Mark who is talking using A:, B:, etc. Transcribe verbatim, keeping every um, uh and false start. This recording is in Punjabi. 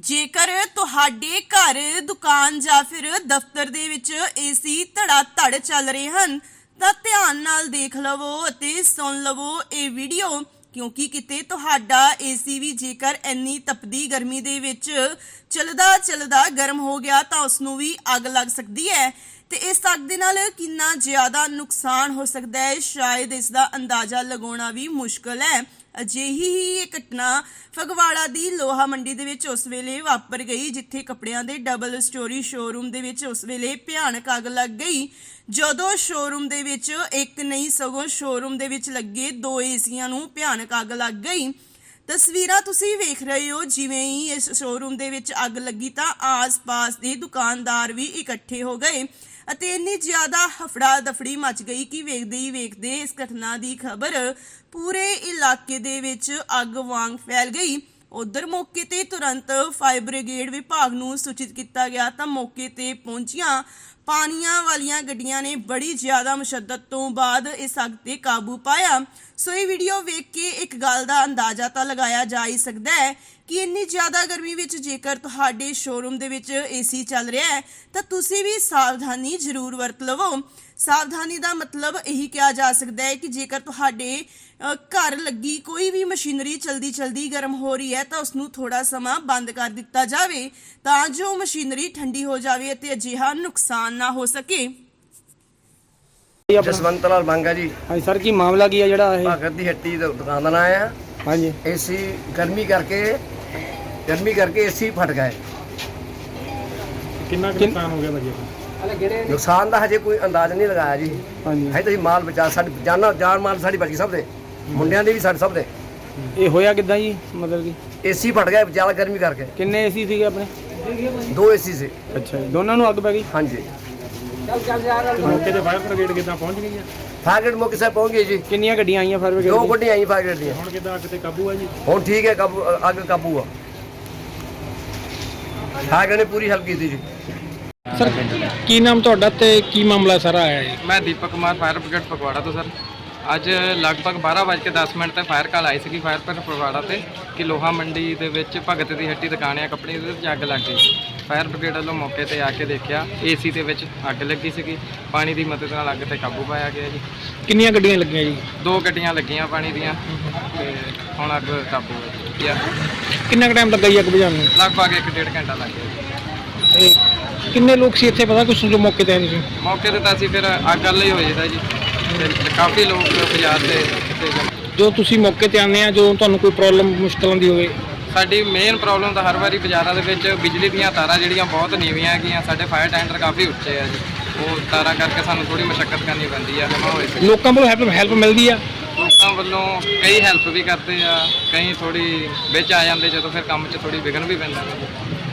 A: ਜੇਕਰ ਤੁਹਾਡੇ ਘਰ ਦੁਕਾਨ ਜਾਂ ਫਿਰ ਦਫ਼ਤਰ ਦੇ ਵਿੱਚ ਏਸੀ ਧੜਾ ਧੜ ਚੱਲ ਰਹੇ ਹਨ ਤਾਂ ਧਿਆਨ ਨਾਲ ਦੇਖ ਲਵੋ ਅਤੇ ਸੁਣ ਲਵੋ ਇਹ ਵੀਡੀਓ, ਕਿਉਂਕਿ ਕਿਤੇ ਤੁਹਾਡਾ ਏਸੀ ਵੀ ਜੇਕਰ ਇੰਨੀ ਤਪਦੀ ਗਰਮੀ ਦੇ ਵਿੱਚ ਚੱਲਦਾ ਚੱਲਦਾ ਗਰਮ ਹੋ ਗਿਆ ਤਾਂ ਉਸ ਨੂੰ ਵੀ ਅੱਗ ਲੱਗ ਸਕਦੀ ਹੈ ਤੇ ਇਸ ਅੱਗ ਦੇ ਨਾਲ ਕਿੰਨਾ ਜ਼ਿਆਦਾ ਨੁਕਸਾਨ ਹੋ ਸਕਦਾ ਹੈ ਸ਼ਾਇਦ ਇਸ ਦਾ ਅੰਦਾਜ਼ਾ ਲਗਾਉਣਾ ਵੀ ਮੁਸ਼ਕਲ ਹੈ। ਅਜਿਹੀ ਹੀ ਇਹ ਘਟਨਾ ਫਗਵਾੜਾ ਦੀ ਲੋਹਾ ਮੰਡੀ ਦੇ ਵਿੱਚ ਉਸ ਵੇਲੇ ਵਾਪਰ ਗਈ ਜਿੱਥੇ ਕੱਪੜਿਆਂ ਦੇ ਡਬਲ ਸਟੋਰੀ ਸ਼ੋਰੂਮ ਦੇ ਵਿੱਚ ਉਸ ਵੇਲੇ ਭਿਆਨਕ ਅੱਗ ਲੱਗ ਗਈ। ਜਦੋਂ ਸ਼ੋਰੂਮ ਦੇ ਵਿੱਚ ਇੱਕ ਨਹੀਂ ਸਗੋਂ ਸ਼ੋਰੂਮ ਦੇ ਵਿੱਚ ਲੱਗੇ ਦੋ ਏਸੀਆਂ ਨੂੰ ਭਿਆਨਕ ਅੱਗ ਲੱਗ ਗਈ। ਤਸਵੀਰਾਂ ਤੁਸੀਂ ਵੇਖ ਰਹੇ ਹੋ, ਜਿਵੇਂ ਹੀ ਇਸ ਸ਼ੋਰੂਮ ਦੇ ਵਿੱਚ ਅੱਗ ਲੱਗੀ ਤਾਂ ਆਸ-ਪਾਸ ਦੇ ਦੁਕਾਨਦਾਰ ਵੀ ਇਕੱਠੇ ਹੋ ਗਏ ਅਤੇ ਇੰਨੀ ਜ਼ਿਆਦਾ ਹਫੜਾ ਦਫੜੀ ਮਚ ਗਈ ਕਿ ਵੇਖਦੇ ਹੀ ਵੇਖਦੇ ਇਸ ਘਟਨਾ ਦੀ ਖਬਰ ਪੂਰੇ ਇਲਾਕੇ ਦੇ ਵਿੱਚ ਅੱਗ ਵਾਂਗ ਫੈਲ ਗਈ। ਉਧਰ ਮੌਕੇ ਤੇ ਤੁਰੰਤ ਫਾਇਰ ਬ੍ਰਿਗੇਡ ਵਿਭਾਗ ਨੂੰ ਸੂਚਿਤ ਕੀਤਾ ਗਿਆ ਤਾਂ ਮੌਕੇ ਤੇ ਪਹੁੰਚੀਆਂ ਪਾਣੀਆਂ ਵਾਲੀਆਂ ਗੱਡੀਆਂ ਨੇ ਬੜੀ ਜ਼ਿਆਦਾ ਮੁਸ਼ੱਦਤ ਤੋਂ ਬਾਅਦ ਇਸ ਅੱਗ ਤੇ ਕਾਬੂ ਪਾਇਆ। ਸੋ ਇਹ ਵੀਡੀਓ ਵੇਖ ਕੇ ਇੱਕ ਗੱਲ ਦਾ ਅੰਦਾਜ਼ਾ ਤਾਂ ਲਗਾਇਆ ਜਾ ਹੀ ਸਕਦਾ ਹੈ ਕਿ ਇੰਨੀ ਜ਼ਿਆਦਾ ਗਰਮੀ ਵਿੱਚ ਜੇਕਰ ਤੁਹਾਡੇ ਸ਼ੋਰੂਮ ਦੇ ਵਿੱਚ ਏਸੀ ਚੱਲ ਰਿਹਾ ਹੈ ਤਾਂ ਤੁਸੀਂ ਵੀ ਸਾਵਧਾਨੀ ਜ਼ਰੂਰ ਵਰਤ ਲਵੋ। ਸਾਵਧਾਨੀ ਦਾ ਮਤਲਬ ਇਹੀ ਕਿਹਾ ਜਾ ਸਕਦਾ ਹੈ ਕਿ ਜੇਕਰ ਤੁਹਾਡੇ ਘਰ ਲੱਗੀ ਕੋਈ ਵੀ ਮਸ਼ੀਨਰੀ ਚਲਦੀ ਚਲਦੀ ਗਰਮ ਹੋ ਰਹੀ ਹੈ ਤਾਂ ਉਸ ਨੂੰ ਥੋੜਾ ਸਮਾਂ ਬੰਦ ਕਰ ਦਿੱਤਾ ਜਾਵੇ ਤਾਂ ਜੋ ਮਸ਼ੀਨਰੀ ਠੰਡੀ ਹੋ ਜਾਵੇ ਅਤੇ ਅਜਿਹਾ ਨੁਕਸਾਨ ਨਾ ਹੋ ਸਕੇ।
B: ਜਸਵੰਤ ਲਾਲ ਮੰਗਾ जी।
C: हाँ सर की मामला की है जड़ा है
B: भगत दी हट्टी दा दुकान दा नाम है।
C: हाँ जी
B: एसी गर्मी करके गर्मी करके एसी फट गए।
D: कितना नुकसान हो गया भाजी?
B: नुकसान का हजे कोई अंदाज़ा नहीं लगाया जी।
C: हाँ जी
B: है तो माल बचा साडी जान जान माल साडी बच गई सब दे मुंडियां दे भी साडे सब दे।
C: ये होया किदा जी मतलब कि
B: एसी फट गए ज़्यादा गर्मी करके।
C: किन्ने एसी थे अपने?
B: दो एसी से।
C: अच्छा जी दोनों नू अग पै गई?
B: हाँ जी
D: मौके ते फायर ब्रिगेड कितना पहुंच गई है?
B: फायर ब्रिगेड मौके से पहुंच गई जी।
C: किन्नियां गड्डियां आईयां फायर
B: दो
C: ब्रिगेड?
B: गड्डियां आई फायर ब्रिगेड दी।
D: हुण किदा अग ते काबू है जी?
B: हुण ठीक है काबू अग काबू आ। फायर ब्रिगेड ने पूरी हेल्प की थी जी।
D: सर की नाम तुहाडा ते की मामला सारा आया है?
E: मैं दीपक कुमार फायर ब्रिगेड फगवाड़ा तो सर ਅੱਜ ਲਗਭਗ ਬਾਰਾਂ ਵੱਜ ਕੇ ਦਸ ਮਿੰਟ ਤੇ ਫਾਇਰ ਕਾਲ ਆਈ ਸੀਗੀ ਫਾਇਰ ਪਰ ਫਗਵਾੜਾ ਤੇ ਕਿ ਲੋਹਾ ਮੰਡੀ ਦੇ ਵਿੱਚ ਭਗਤ ਦੀ ਹੱਟੀ ਦੁਕਾਨ ਆ ਕੱਪੜੇ ਦੇ ਵਿੱਚ ਅੱਗ ਲੱਗ ਗਈ। ਫਾਇਰ ਬ੍ਰਿਗੇਡ ਵੱਲੋਂ ਮੌਕੇ ਤੇ ਆ ਕੇ ਦੇਖਿਆ ਏਸੀ ਦੇ ਵਿੱਚ ਅੱਗ ਲੱਗੀ ਸੀਗੀ। ਪਾਣੀ ਦੀ ਮਦਦ ਨਾਲ ਅੱਗ ਤੇ ਕਾਬੂ ਪਾਇਆ ਗਿਆ ਜੀ।
D: ਕਿੰਨੀਆਂ ਗੱਡੀਆਂ ਲੱਗੀਆਂ ਜੀ?
E: ਦੋ ਗੱਡੀਆਂ ਲੱਗੀਆਂ ਪਾਣੀ ਦੀਆਂ ਤੇ ਹੁਣ ਅੱਗ ਕਾਬੂ ਹੋ ਗਈ ਆ।
D: ਕਿੰਨਾ ਕੁ ਟਾਈਮ ਲੱਗਾ ਜੀ ਅੱਗ ਬੁਝਾਉਣ ਨੂੰ?
E: ਲਗਭਗ ਇੱਕ ਡੇਢ ਘੰਟਾ ਲੱਗ ਗਿਆ ਜੀ।
D: ਇਹ ਕਿੰਨੇ ਲੋਕ ਸੀ ਇੱਥੇ ਪਤਾ ਕੁਛ ਜੋ ਮੌਕੇ ਤੇ ਆਏ ਤੁਸੀਂ?
E: ਮੌਕੇ ਤੇ ਤਾਂ ਅਸੀਂ ਫਿਰ ਅੱਗ ਵੱਲ ਹੀ ਹੋ ਜਾਂਦਾ ਜੀ ਤੇ ਕਾਫੀ ਲੋਕ ਬਾਜ਼ਾਰ ਦੇ ਕਿਤੇ
D: ਜੋ ਤੁਸੀਂ ਮੌਕੇ ਤੇ ਆਉਂਦੇ ਆ ਜੋ ਤੁਹਾਨੂੰ ਕੋਈ ਪ੍ਰੋਬਲਮ ਮੁਸ਼ਕਲ ਆਉਂਦੀ ਹੋਵੇ?
E: ਸਾਡੀ ਮੇਨ ਪ੍ਰੋਬਲਮ ਤਾਂ ਹਰ ਵਾਰੀ ਬਾਜ਼ਾਰਾਂ ਦੇ ਵਿੱਚ ਬਿਜਲੀ ਦੀਆਂ ਤਾਰਾਂ ਜਿਹੜੀਆਂ ਬਹੁਤ ਨੀਵੀਆਂ ਹੈਗੀਆਂ, ਸਾਡੇ ਫਾਇਰ ਟੈਂਡਰ ਕਾਫੀ ਉੱਚੇ ਆ ਜੀ, ਉਹ ਤਾਰਾਂ ਕਰਕੇ ਸਾਨੂੰ ਥੋੜੀ ਮੁਸ਼ੱਕਤ ਕਰਨੀ ਪੈਂਦੀ ਆ ਜਮਾ ਹੋਏ ਸੀ।
D: ਲੋਕਾਂ ਵੱਲੋਂ ਹੈਲਪ ਹੈਲਪ ਮਿਲਦੀ ਆ?
E: ਲੋਕਾਂ ਵੱਲੋਂ ਕਈ ਹੈਲਪ ਵੀ ਕਰਦੇ ਆ, ਕਈ ਥੋੜੀ ਵਿੱਚ ਆ ਜਾਂਦੇ ਜਦੋਂ ਫਿਰ ਕੰਮ 'ਚ ਥੋੜੀ ਵਿਘਨ ਵੀ ਪੈਂਦਾ।